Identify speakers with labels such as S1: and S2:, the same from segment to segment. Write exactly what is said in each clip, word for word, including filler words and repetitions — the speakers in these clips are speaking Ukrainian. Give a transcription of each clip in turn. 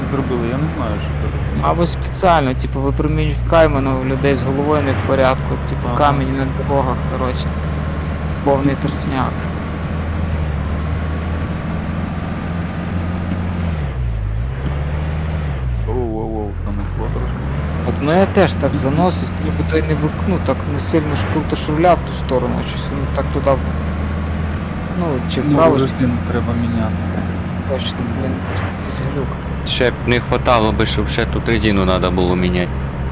S1: зробили, я не знаю, що це таке.
S2: Мабуть, спеціально, типу, випромінюють кайману, у людей з головою не в порядку, типу,
S1: Ага.
S2: камінь на дорогах, коротше. Повний трешняк.
S1: Оу-оу-оу, занесло трошки.
S2: От мене теж так заносить, ніби той не вик... ну, так не сильно ж круто шурля в ту сторону, щось воно так туди. в- Ну, чи
S1: Ну,
S2: вправо, чи
S1: резину треба міняти.
S2: точно, блін, якийсь глюк.
S3: Ще б не хватало би, щоб ще тут резину треба було міняти.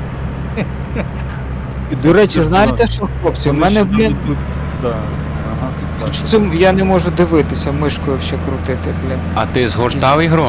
S2: І, до речі, знаєте що, хлопці, у
S1: Вони
S2: мене,
S1: ще
S2: блін,
S1: тут- Да. Ага. так.
S2: що це я не можу дивитися, мишкою ще крутити, блін.
S3: А ти згортав ігру?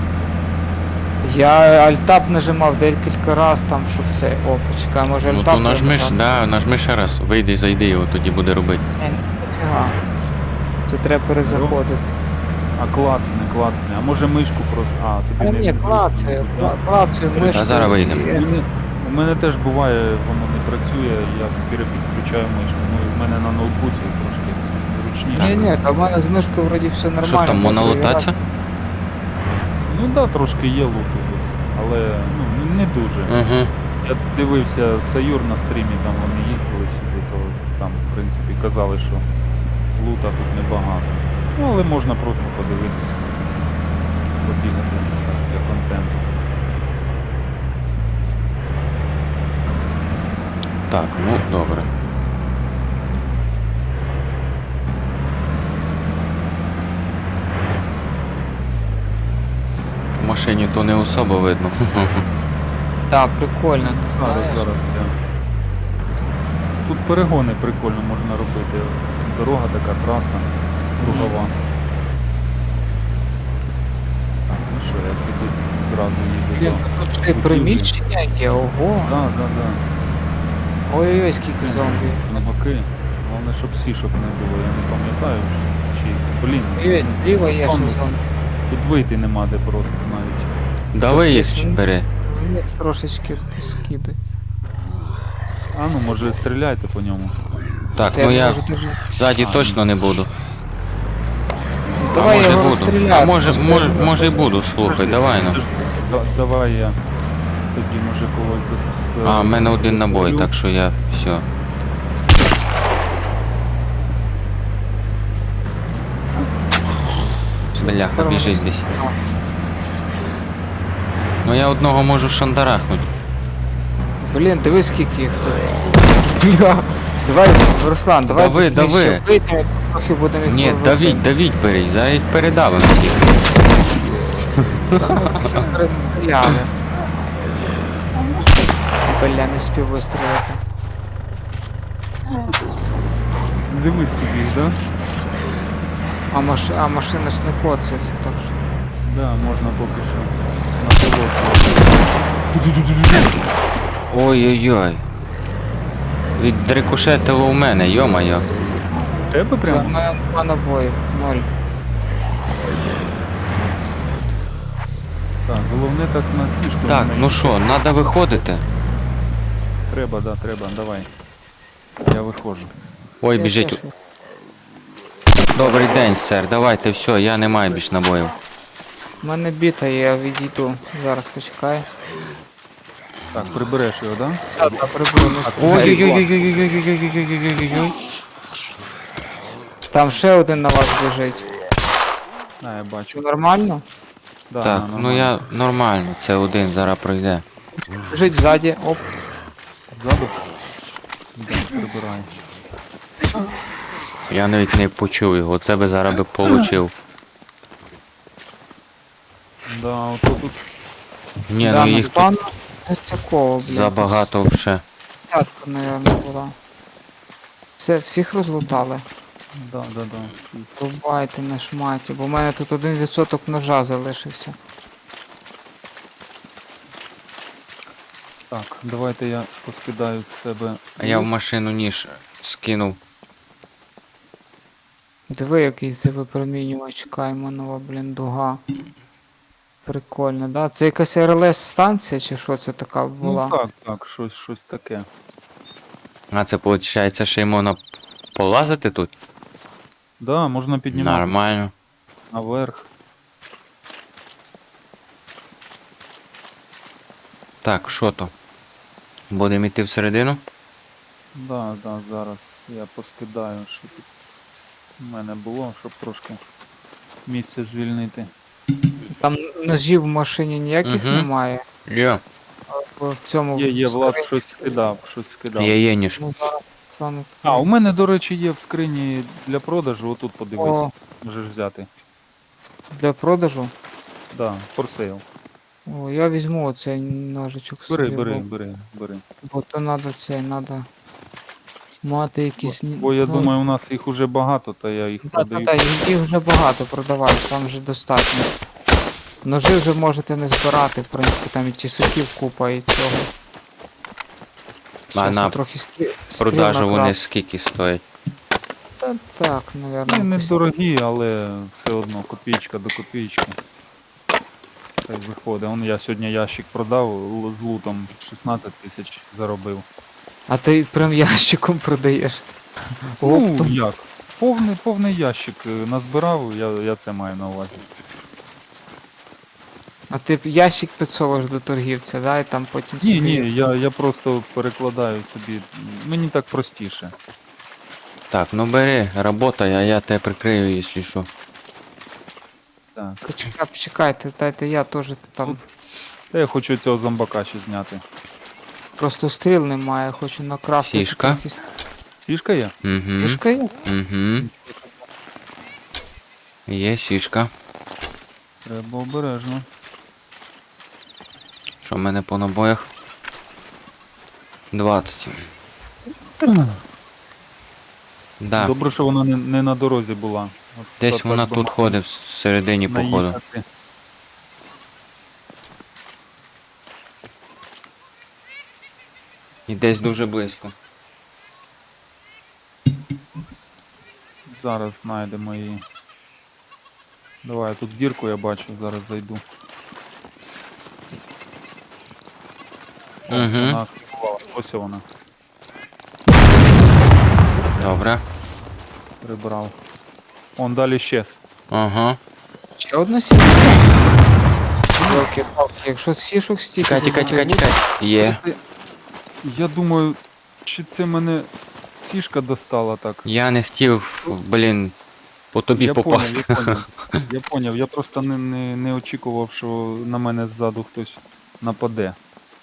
S2: Я альтап нажимав декілька раз там, щоб це. О, почекай, може
S3: Ну
S2: альтап.
S3: то нажми, ж,
S2: нажав?
S3: да, нажми ще раз, вийди і зайди, його тоді буде робити.
S2: Ні, ніфіга. Це треба перезаходити.
S1: А клацне, клацне. А може мишку просто. А, тобі
S2: А
S1: не
S2: ні,
S1: не
S2: клацаю,
S1: зручно,
S2: кла-
S1: да?
S2: клацаю мишку.
S3: А зараз вийдемо.
S1: У мене, у мене теж буває, воно не працює, я перепідключаю мишку. Ну, в мене на ноутбуці трошки зручніше.
S2: Ні, ні, та в мене з мишкою вроді все нормально.
S3: Що там,
S2: я
S3: можна
S2: перевіряв.
S3: лутатися?
S1: Ну так, да, трошки є луту тут, але ну, не- не дуже.
S3: Угу.
S1: Я дивився Саюр на стрімі, там вони їздили сюди, то там, в принципі, казали, що лута тут небагато. Ну, але можна просто подивитися, побігати так, для контенту.
S3: Так, ну добре. В машині то не особо видно.
S2: Так, прикольно, ти
S1: Зараз,
S2: знаєш.
S1: зараз я. Тут перегони прикольно можна робити. Дорога така, траса, кругова. Так, ну що, я піду зразу їду
S2: Блін,
S1: до...
S2: тут ще й приміщення є, ого.
S1: Так, так, так.
S2: Ой-ой-ой, скільки зомбі.
S1: На боки. Головне, щоб сішок не було, я не пам'ятаю. Чи, блін,
S2: Ой, зліва є ще
S1: Там.
S2: зомбі.
S1: тут вийти нема де просто навіть.
S3: Давай є,
S2: Десь він-
S3: бери.
S2: Вниз трошечки скидай.
S1: А ну, може стріляйте по ньому.
S3: Так,
S2: Та
S3: ну
S2: не
S3: я
S2: можу дуже-
S3: ззаді
S1: А,
S3: точно не буду.
S2: Ну, Давай
S3: а може
S2: його
S3: буду.
S2: розстріляти.
S3: А може,
S2: просто.
S3: може, може і буду, слухай,
S1: Подожди,
S3: давай ну.
S1: подожди. Да- Давай я тоді може когось за...
S3: А, в мене один набой, так що я все. Бляха, біжить десь. Ну я одного можу шандарахнути.
S2: Блін, дивись скільки їх тут. Бля. Давай, Руслан, давай
S3: Дави,
S2: десь нижче
S3: дави.
S2: вийдемо, трохи будемо їх
S3: Ні,
S2: вивозити.
S3: давіть, давіть бери, зараз їх передавим всіх.
S2: Розстріляли. Бля, не встиг вистрілити.
S1: Дивись тобі, да?
S2: А, маш... а машина ж не коцається, так що.
S1: Да, можна поки що на пилот.
S3: Ой-ой-ой. Відрикошетило у мене, йо-моє.
S1: Тебе
S2: Це в
S1: прямо?
S2: мене два набоїв, ноль.
S1: Так, головне так на сішку.
S3: Так,
S1: не
S3: ну що, треба виходити.
S1: Треба, да, треба, давай. Я виходжу.
S3: Ой,
S2: Я
S3: біжить.
S2: теж.
S3: Добрий день, сер, давайте, все, я не маю більш набоїв.
S2: У мене біта, я відійду. Зараз почекай.
S1: Так, прибереш його, да?
S2: Так, так, прибуду, не стріляй.
S3: Ой-ой-ой-ой-ой-ой-ой-ой-ой-ой-ой-ой-ой.
S2: Там ще один на вас біжить.
S1: А, я
S2: Чи
S1: бачу.
S2: нормально?
S1: Да,
S3: Так,
S1: да,
S3: ну
S1: нормально.
S3: я нормально, це один зараз пройде.
S2: Біжить ззаді, оп.
S1: Ззаду? Да, прибирай.
S3: Я навіть не почув його, це би зараз би получив.
S1: Да, ото тут
S3: Ні,
S2: да,
S3: ну
S2: на
S3: їх тут
S2: спану ось такого, блін.
S3: забагато вже.
S2: П'ятка, мабуть, була. Все, всіх розлутали.
S1: Да, да, да.
S2: Рубайте на шматі, бо в мене тут один відсоток ножа залишився.
S1: Так, давайте я поскидаю з себе.
S3: А я в машину ніж скинув.
S2: Диви, який це випромінювач Кайманова, блін, дуга. Прикольно, да? Це якась ар ел ес станція чи що це така була?
S1: Ну так, так, щось, щось таке.
S3: А це виходить, ще й можна полазити тут?
S1: Да, можна піднімати
S3: Нормально.
S1: наверх.
S3: Так, що то? Будемо йти всередину?
S1: Да, да, зараз я поскидаю, що тут у мене було, щоб трошки місце звільнити.
S2: Там ножів в машині ніяких
S3: Мгм.
S2: немає.
S3: Є.
S2: Бо в цьому
S1: Є, є, Влад
S2: скрині-
S1: щось скидав, щось скидав.
S3: Є, є ніж.
S2: Ну, зараз саме
S1: А, у мене, до речі, є в скрині для продажу, отут подивись,
S2: О,
S1: можеш взяти.
S2: для продажу.
S1: Да, for sale.
S2: О, я візьму оцей ножичок
S1: Бери,
S2: собі,
S1: бери,
S2: бо,
S1: бери, бери.
S2: бо то треба цей, треба мати якісь... ні-
S1: Бо я
S2: ну,
S1: думаю, у нас їх уже багато, та я їх
S2: Да, та,
S1: продаю.
S2: та, їх їх вже багато продавати, там вже достатньо. Ножи вже можете не збирати, в принципі, там і тісаків купа і цього. Щас
S3: на
S2: я трохи стрі... стріл
S3: Продажу вони
S2: накрав.
S3: скільки стоять?
S2: Та, так,
S1: Вони
S2: навірно.
S1: не
S2: якось-
S1: дорогі, але все одно копійка до копійки. Так виходить. Он я сьогодні ящик продав л- з лутом шістнадцять тисяч заробив.
S2: А ти прям ящиком продаєш.
S1: Ну,
S2: Оптом.
S1: як? Повний, повний ящик е, назбирав, я, я це маю на увазі.
S2: А ти б ящик підсовуєш до торгівця, да, і там потім
S1: Ні,
S2: собі-
S1: ні, я, я просто перекладаю собі. Мені так простіше.
S3: Так, ну бери, работай, а я тебе прикрию, якщо що.
S1: Так.
S2: Почекай, почекайте, дайте я теж там.
S1: Та я хочу цього зомбака ще зняти.
S2: Просто стріл немає, хочу накрафтити.
S3: Фішка.
S2: трохи с-
S1: Сішка є?
S3: Угу.
S2: Фішка є?
S3: Угу. Є сішка.
S1: Треба обережно.
S3: Що в мене по набоях? двадцять. Да.
S1: Добре, що вона не, не на дорозі була. От
S3: Десь
S1: так
S3: вона
S1: би
S3: тут
S1: могла
S3: ходить всередині походу.
S1: наїхати.
S3: І десь дуже близько.
S1: Зараз знайдемо її. Давай, тут дірку я бачу, зараз зайду. О,
S3: Мгм.
S1: Вона активувала. Ось вона.
S3: Добре.
S1: Прибрав. Он далі щез.
S3: Ага.
S2: Ще одна сітка. Йолки-палки, якщо сішок стільки.
S3: Тікай, тікай,
S2: буде,
S3: тікай,
S2: то
S3: тікай. Є.
S1: Я думаю, чи це мене сішка достала так.
S3: Я не хотів, блін, по тобі
S1: я
S3: попасти.
S1: Поняв, я поняв. Я поняв, я просто не, не, не очікував, що на мене ззаду хтось нападе.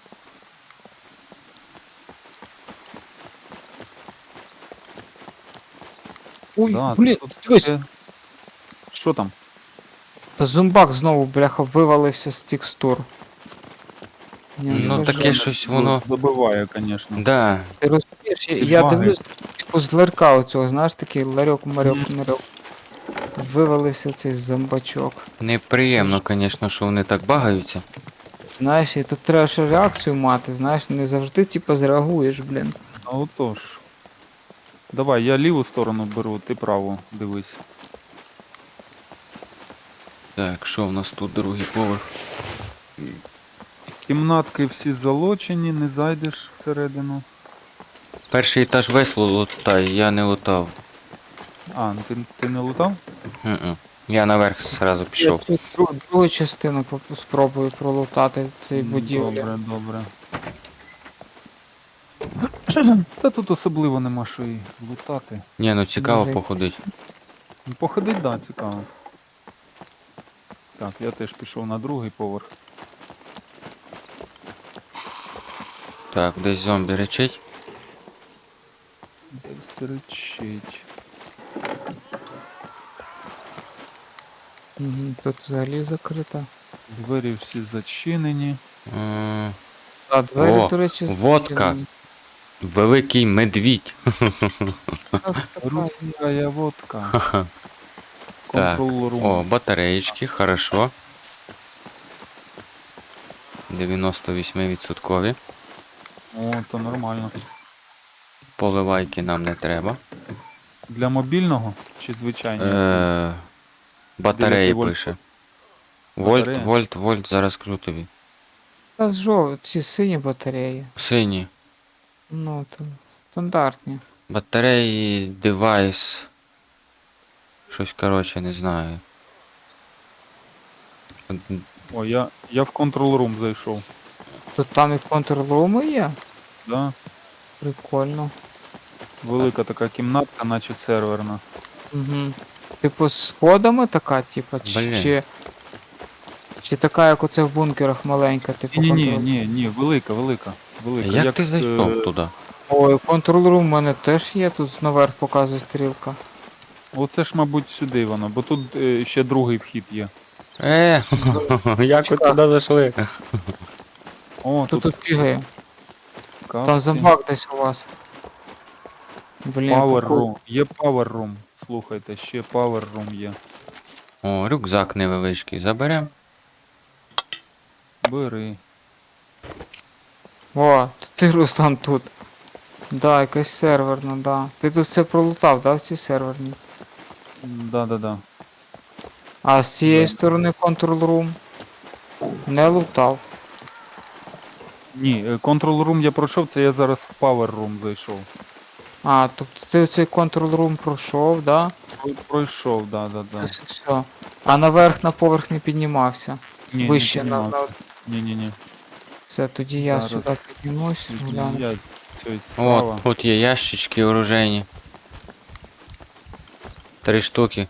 S2: Ой,
S1: Да,
S2: блін,
S1: тут
S2: дивись,
S1: таке- Що там?
S2: та зомбак знову, бляха, вивалився з текстур. Ні,
S3: Ну,
S2: це ж-
S3: таке щось воно.
S1: Забиває, звісно.
S3: Да.
S2: Ти розумієш, я,
S1: Ці
S2: я
S1: баги.
S2: дивлюсь, типу з ларька оцього, знаєш, такий ларьок, марьок,
S1: Мгм.
S2: марьок. Вивалився цей зомбачок.
S3: Неприємно, звісно, що вони так багаються.
S2: Знаєш, і тут треба ще реакцію мати, знаєш, не завжди, типу, зреагуєш, блін.
S1: А отож. Давай, я ліву сторону беру, ти праву, дивись.
S3: Так, що в нас тут другий поверх?
S1: Кімнатки всі залочені, не зайдеш всередину.
S3: Перший етаж весь лутай, я не лутав.
S1: А, ну ти, ти не лутав?
S3: Мгм. Я наверх зразу
S2: Я
S3: пішов.
S2: тут дру- другу частину поп- спробую пролутати цей
S1: М,
S2: будівлі.
S1: Добре, добре. Та тут особливо нема що і лутати.
S3: Ні, ну цікаво
S2: Може,
S3: походить.
S1: Ну, походить, да, цікаво. Так, я теж пішов на другий поверх.
S3: Так, десь зомбі речить.
S1: Десь речить.
S2: Угу, тут взагалі закрита.
S1: Двері всі зачинені.
S3: М,
S2: А двері,
S3: О,
S2: до речі,
S3: водка.
S2: зачинені.
S3: Великий медвідь.
S2: Так, така,
S1: Русская водка.
S3: Ха-ха. Так,
S1: Контрол рум.
S3: О, батареєчки, хорошо. дев'яносто вісім відсотків.
S1: О, то нормально.
S3: Поливайки нам не треба.
S1: Для мобільного чи звичайні?
S3: Е, батареї
S1: дев'ять вольт.
S3: пише. Вольт,
S1: Батарея?
S3: вольт, вольт, зараз кажу тобі.
S2: Та жов, ці сині батареї.
S3: Сині.
S2: Ну, то стандартні.
S3: Батареї, девайс. Щось, коротше, не знаю.
S1: О, я, я в контрол рум зайшов.
S2: Тут там і контрруми є?
S1: Да?
S2: Прикольно.
S1: Велика така кімнатка, наче серверна.
S2: Угу. Типу з сходами така, типу, чи,
S3: Блін.
S2: чи, чи така, як оце в бункерах маленька, типу
S1: Ні, ні,
S2: контрол.
S1: ні, ні, велика, велика. Велика.
S3: Як ти
S1: е,
S3: зайшов туди?
S2: Ой, контрол-рум у мене теж є, тут наверх показує стрілка.
S1: Оце ж, мабуть, сюди воно, бо тут е, ще другий вхід є.
S3: Е, як ви туди зайшли?
S1: О,
S2: Хто
S1: тут,
S2: тут бігає?
S1: капці.
S2: Там зомбак десь у вас. Блін,
S1: Power
S2: прикол.
S1: room. Є power room. Слухайте, ще power room є.
S3: О, рюкзак невеличкий. Заберем.
S1: Бери.
S2: О, то ти, Руслан, тут. Да, якась серверна, да. Ти тут все пролутав, да, в цій серверній?
S1: Да-да-да.
S2: А з цієї
S1: Да.
S2: сторони контрол-рум не лутав.
S1: Ні, е, control room я пройшов, це я зараз в power room зайшов.
S2: А, тобто ти цей контрол-рум пройшов, да?
S1: Про- Пройшов, да-да-да.
S2: Ось і все. А наверх на поверх не піднімався.
S1: Ні,
S2: Вище
S1: не
S2: на, на...
S1: піднімався. Ні-ні-ні.
S2: Все, тоді я
S1: Зараз.
S2: сюди піднімусь, гляну.
S1: Я цей
S3: От,
S1: справа.
S3: тут є ящички оружейні. Три штуки.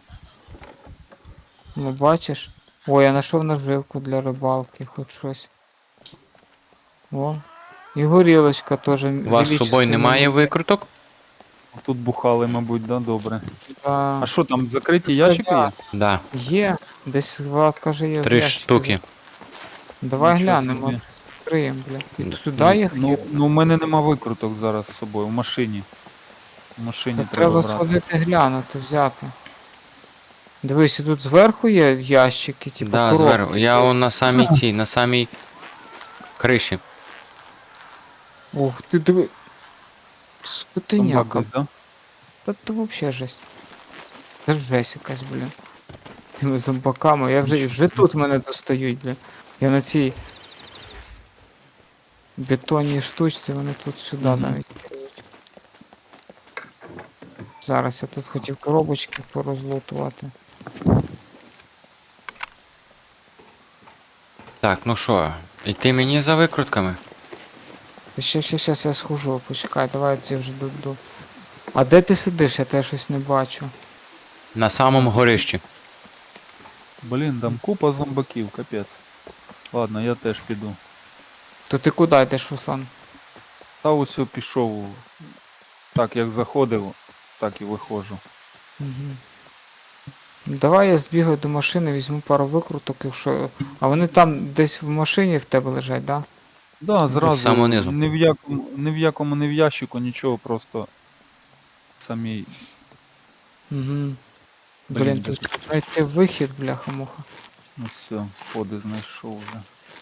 S2: Ну бачиш? Ой, я знайшов наживку для рибалки, хоч щось. О. І горілочка теж.
S3: У вас з собою немає викруток?
S1: Тут бухали, мабуть, да, добре.
S2: Да.
S1: А що там, закриті
S2: Це
S1: ящики
S2: я.
S1: є?
S3: Да.
S2: Є. Десь Влад каже, є.
S3: Три
S2: ящики.
S3: штуки.
S2: Давай
S1: Нічого
S2: глянемо.
S1: собі.
S2: Відкриємо, бля. І
S3: Ну,
S2: туди їх
S1: Ну,
S2: є.
S1: ну, у мене нема викруток зараз з собою, в машині. В машині
S2: Та
S1: треба
S2: треба
S1: брати.
S2: сходити глянути, взяти. Дивись, і тут зверху є ящики, типу
S3: Да,
S2: коробки.
S3: зверху. Я он на самій цій, на самій криші.
S2: Ух ти диви.
S1: Зомбак
S2: Скотиняка.
S1: десь, да?
S2: Та це вообще жесть. Це жесть якась, блін. Тими зомбаками. Я вже, вже тут мене достають, блін. Я на цій бетонній штучці, вони тут сюди
S1: Мгм.
S2: навіть кидають. Зараз я тут хотів коробочки порозлутувати.
S3: Так, ну що, йти мені за викрутками?
S2: Та ще, ще, ще, я схожу, почекай, давай ці вже до. А де ти сидиш? Я тебе щось не бачу.
S3: На самому горищі.
S1: Блін, там купа зомбаків, капець. Ладно, я теж піду.
S2: То ти куди йдеш, Руслан?
S1: Та ось я пішов. Так, як заходив, так і виходжу.
S2: Угу. Давай я збігаю до машини, візьму пару викруток, якщо. А вони там десь в машині в тебе лежать, да?
S1: Да, зразу.
S3: з самого низу.
S1: Ні в якому, ні в якому, ні в ящику, нічого, просто самі.
S2: Угу.
S1: Блін,
S2: Блін,
S1: де
S2: тут знайти вихід, бляха-муха.
S1: Ну все, сходи знайшов вже.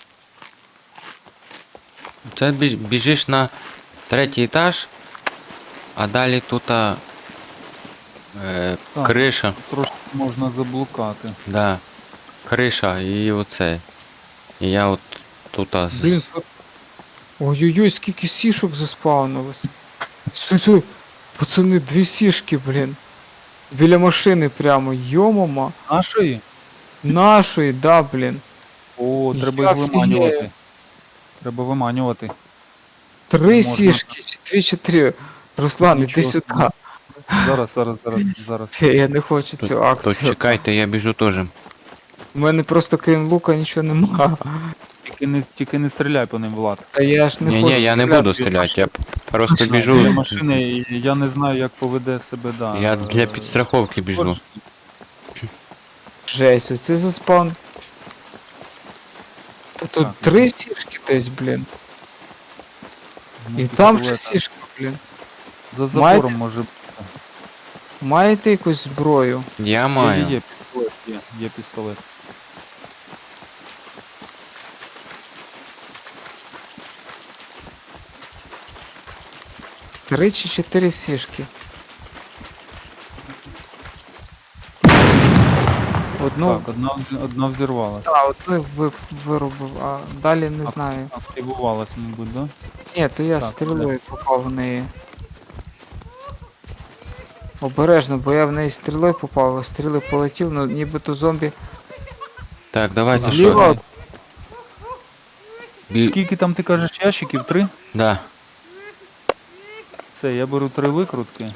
S3: Це бі- біжиш на третій етаж, а далі тут а, е,
S1: Так.
S3: криша.
S1: Трошки можна заблукати.
S3: Да. Криша і оце. І я от тут. а, з-
S2: Блін, тут. Ой-ой-ой, скільки сішок заспавнилось. Стой, стой. Пацани, дві сішки, блін. Біля машини прямо, йомама.
S1: Нашої?
S2: Нашої, да, блін.
S1: О,
S2: Я
S1: треба їх
S2: офігею.
S1: виманювати. Треба виманювати.
S2: Три
S1: Можна.
S2: сішки, чи три, чотири. Руслан, іди
S1: Нічого
S2: сюди.
S1: собі. Зараз, зараз, зараз, зараз.
S2: Фе, я не хочу
S3: То,
S2: цю
S3: то
S2: акцію.
S3: чекайте, я біжу теж.
S2: У мене просто крім лука нічого нема.
S1: Тільки не, тільки не стріляй по ним, Влад.
S2: Та я ж не
S3: Ні,
S2: хочу.
S3: ні, я не
S2: стріляти.
S3: буду стріляти, я п- просто
S2: Машина.
S1: Біля
S3: біжу.
S1: машини, і я не знаю, як поведе себе, да.
S3: Я
S1: е,
S3: для підстраховки біжу.
S2: Жесть, оце заспаун. Та тут
S1: Так,
S2: три сішки десь, блін.
S1: Ну,
S2: І там же
S1: пістолета.
S2: сішки, блін.
S1: За
S2: Маєте?
S1: забором може бути.
S2: Маєте якусь зброю?
S3: Я
S1: Є,
S3: маю.
S1: є, пістолет, є, є пістолет.
S2: Три чи чотири сішки. Одну.
S1: Так, одна, вз- одна взірвалась.
S2: Так, одну ви, вирубив, а далі не знаю.
S1: Активувалась, мабуть, да?
S2: Ні, то я
S1: Так,
S2: стрілою попав в неї. Обережно, бо я в неї стрілою попав, а стріли полетів, ну нібито зомбі
S3: Так, давай за
S2: зліва.
S3: що? Бі...
S1: Скільки там ти кажеш ящиків? Три?
S3: Да.
S1: Все, я беру три викрутки.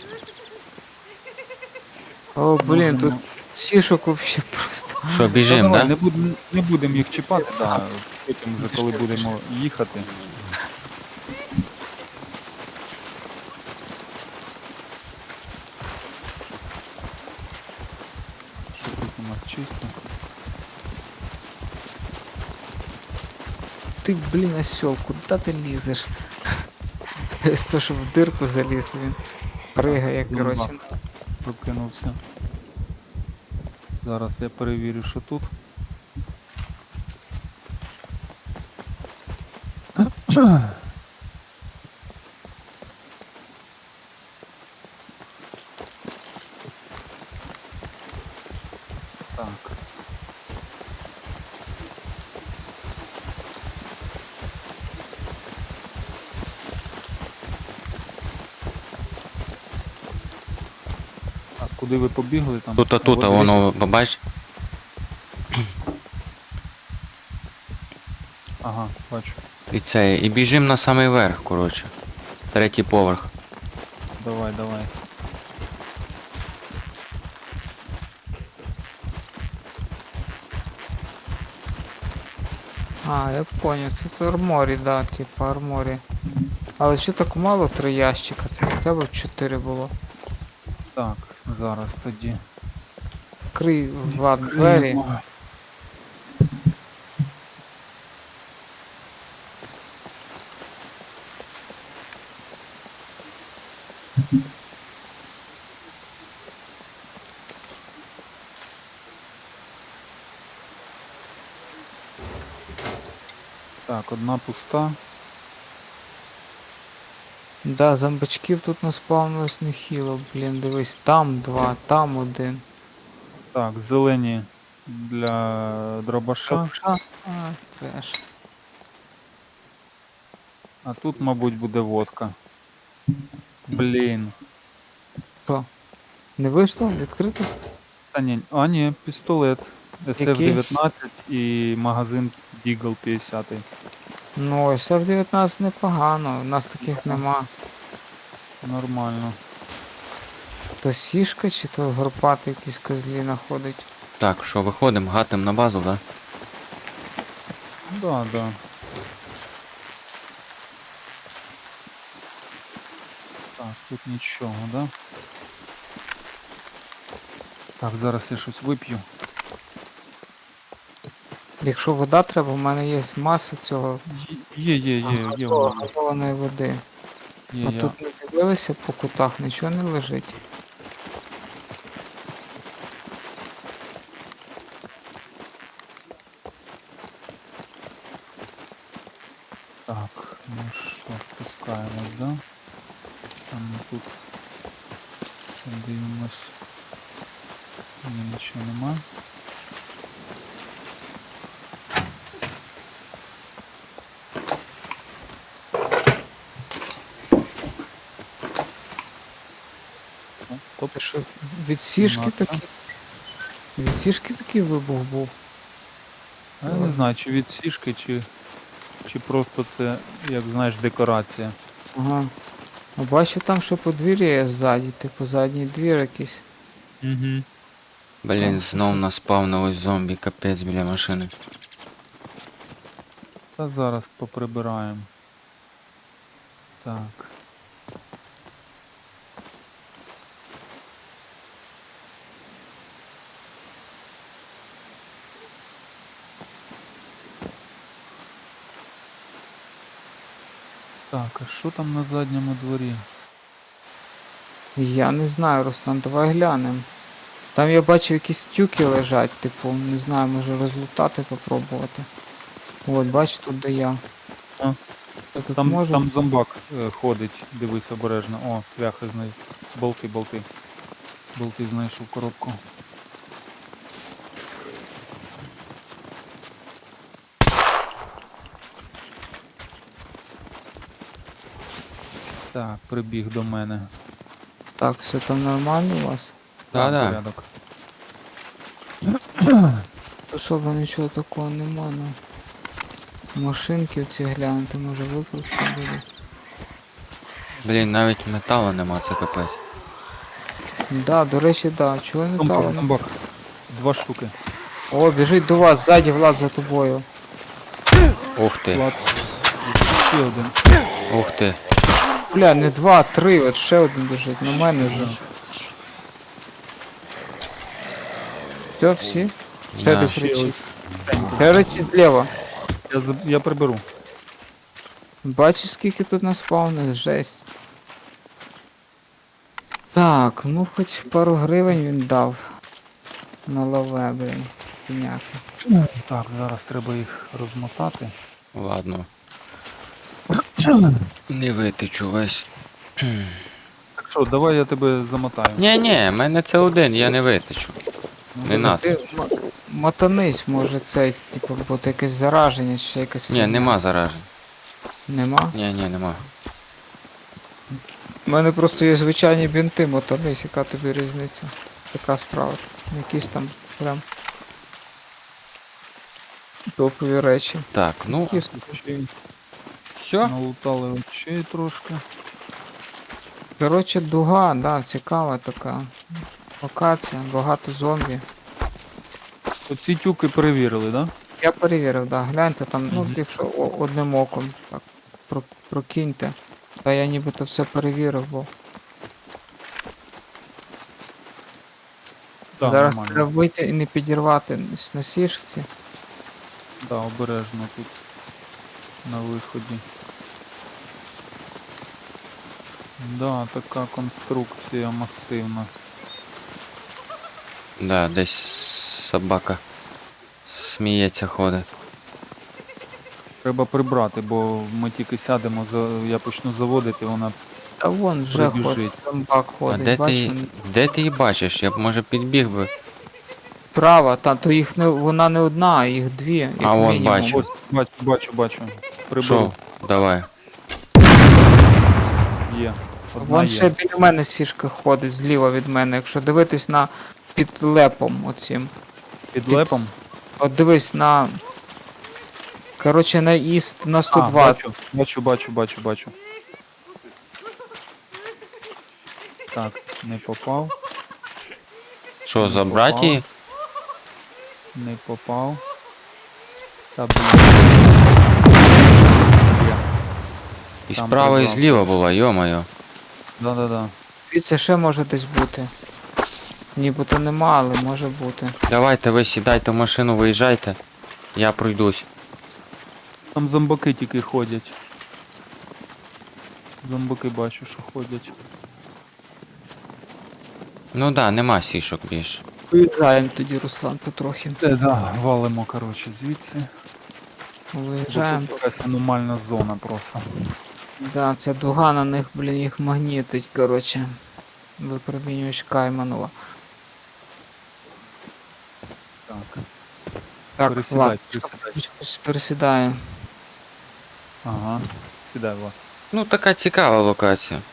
S2: О, блін, тут
S1: Можемо-
S2: сішок вообще просто.
S3: Що,
S1: Та
S3: біжим,
S1: давай,
S3: да?
S1: не будемо не будем їх чіпати, да, потім вже коли будемо їхати. Що тут у нас чисто?
S2: Ти, блін, осьол, куди ти лізеш? З того, щоб в дирку заліз, він пригає,
S1: Зумба.
S2: коротше.
S1: Прокинувся. Зараз я перевірю, що тут. Так. Так, куди ви побігли там?
S3: Тут, тут,
S1: От
S3: воно, побач.
S1: Ага, бачу.
S3: І це, і біжим на самий верх, коротше. Третій поверх.
S1: Давай, давай.
S2: А, я понял, тут арморі, да, типа арморі. Але що так мало три ящика, це хоча б чотири було.
S1: Так, зараз тоді.
S2: Крий, Влад, двері.
S1: Так, одна пуста.
S2: Да, зомбачків тут наспавнилось нехило, блін, дивись, там два, там один.
S1: Так, зелені для дробаша.
S2: Шапша? А, треш.
S1: А тут, мабуть, буде водка. Блін.
S2: Що? Не вийшло? Відкрито?
S1: Та ні, а ні, пістолет. ес еф дев'ятнадцять і магазин Deagle п'ятдесят.
S2: Ну, ес еф дев'ятнадцять непогано, у нас таких нема.
S1: Нормально.
S2: То сішка чи то горпатий якісь козлі знаходить.
S3: Так, що, виходимо, гатим на базу, да?
S1: Да, да. Так, тут нічого, да? Так, зараз я щось вип'ю.
S2: Якщо вода треба, в мене є маса цього
S1: Є, є, є, є, воно.
S2: газованої води.
S1: Є,
S2: А
S1: я.
S2: тут не дивилися по кутах, нічого не лежить.
S1: Так, ну що, спускаємось, да? Там ми тут дивимось. Ні, нічого нема. Ну, Топ.
S2: Ти що, від сішки
S1: Кімната.
S2: такий? Від сішки такий вибух був.
S1: А я не знаю, чи від сішки, чи, чи просто це, як знаєш, декорація.
S2: Ага. А бачу там, що подвір'я є ззаді, типу задній двір якийсь.
S1: Угу.
S3: Блін, знов наспавнилось зомбі, капець біля машини.
S1: Та зараз поприбираємо. Так. Так, а що там на задньому дворі?
S2: Я не знаю, Руслан, давай глянемо. Там я бачу якісь тюки лежать, типу, не знаю, може розлутати попробувати. От, бач, тут де я.
S1: А.
S2: То тут
S1: Там,
S2: може?
S1: там зомбак е, ходить, дивись обережно. О, цвяхи знай. Болти, болти. Болти знайшов коробку. Так, прибіг до мене.
S2: Так, все там нормально у вас?
S3: Да-да.
S1: Порядок.
S2: Особо нічого такого нема, ну. Машинки оці глянути, може викрутити буде.
S3: Блін, навіть металу нема, це капець.
S2: Да, до речі, да. Чого не
S1: Зомбак,
S2: дали?
S1: зомбак. Два штуки.
S2: О, біжить до вас, ззаді Влад за тобою.
S3: Ух ти,
S1: Влад. Ще один.
S3: ух ти.
S2: Бля, не два, а три, от ще один біжить, на мене вже. Все, всі? Ще
S3: Да.
S2: десь
S1: Ще
S2: речі.
S1: один.
S2: Ще речі зліва.
S1: Я, за- я приберу.
S2: Бачиш, скільки тут наспавнилось? Жесть. Так, ну хоч пару гривень він дав. На лаве, блін. Піняки.
S1: Так, зараз треба їх розмотати.
S3: Ладно. Не витечу весь.
S1: Так що, давай я тебе замотаю.
S3: Ні, ні, в мене це один, я не витечу.
S1: Ну,
S3: Не надо.
S2: Ти м- мотанись, може це, типу, бути якесь зараження чи ще якась
S3: Ні,
S2: фігня.
S3: нема заражень.
S2: Нема?
S3: Ні, ні, нема.
S2: У мене просто є звичайні бінти, мотанись, яка тобі різниця. Така справа. Якісь там прям топові речі.
S3: Так, ну,
S2: Кіс-
S1: Очей.
S3: все.
S1: Налутали очей трошки.
S2: Коротше, дуга, да, цікава така. Локація, багато зомбі.
S1: Оці тюки перевірили, да?
S2: Я перевірив, да, гляньте там, ну,
S1: Мгм.
S2: якщо о- одним оком так про- прокиньте. Та я нібито все перевірив, бо
S1: Так,
S2: зараз
S1: нормально.
S2: треба вийти і не підірвати с- на сішці.
S1: Да, обережно тут на виході. Да, така конструкція масивна.
S3: Да, десь собака сміється ходить.
S1: Треба прибрати, бо ми тільки сядемо, за- я почну заводити, вона
S2: Та вон вже
S1: Прибіжить.
S2: ходить, зомбак
S3: А
S2: ходить,
S3: де ти,
S2: бачиш,
S3: її-
S2: він
S3: де ти її бачиш? Я б може підбіг би.
S2: справа, та то їх не вона не одна, а їх дві, як
S3: А, вон
S2: мінімум.
S3: бачу.
S1: ось бачу, бачу, бачу. Приберу.
S3: Що? Давай.
S1: Є. Одна
S2: Вон
S1: є.
S2: ще біля мене сішка ходить зліва від мене, якщо дивитись на під лепом оцім.
S1: Під
S2: під
S1: лепом.
S2: От дивись на. Коротше, на іст на сто
S1: А,
S2: двадцять.
S1: бачу, бачу, бачу, бачу, бачу. Так, не попав,
S3: Що,
S1: Не
S3: забрати
S1: попав.
S3: її?
S1: не попав. Та блін. Є.
S3: І
S1: Там
S3: справа, і
S1: прибрав.
S3: зліва була, йо-моє.
S1: Да-да-да.
S2: Це ще може десь бути. Нібито нема, але може бути.
S3: Давайте ви сідайте в машину, виїжджайте. Я пройдусь.
S1: Там зомбаки тільки ходять. Зомбаки бачу, що ходять.
S3: Ну да, нема сішок більше.
S2: Виїжджаємо тоді, Руслан, потрохи.
S1: Це да, валимо, коротше, звідси. Бо
S2: Виїжджаємо.
S1: тут якась аномальна зона просто.
S2: Да, ця дуга на них, блін, їх магнітить, коротше. Випромінювач Кайманова.
S1: Так.
S2: Так,
S1: Пересідай,
S2: Влад,
S1: пересідай.
S2: пересідаю.
S1: Ага. Сідай, Влад.
S3: Ну така цікава локація.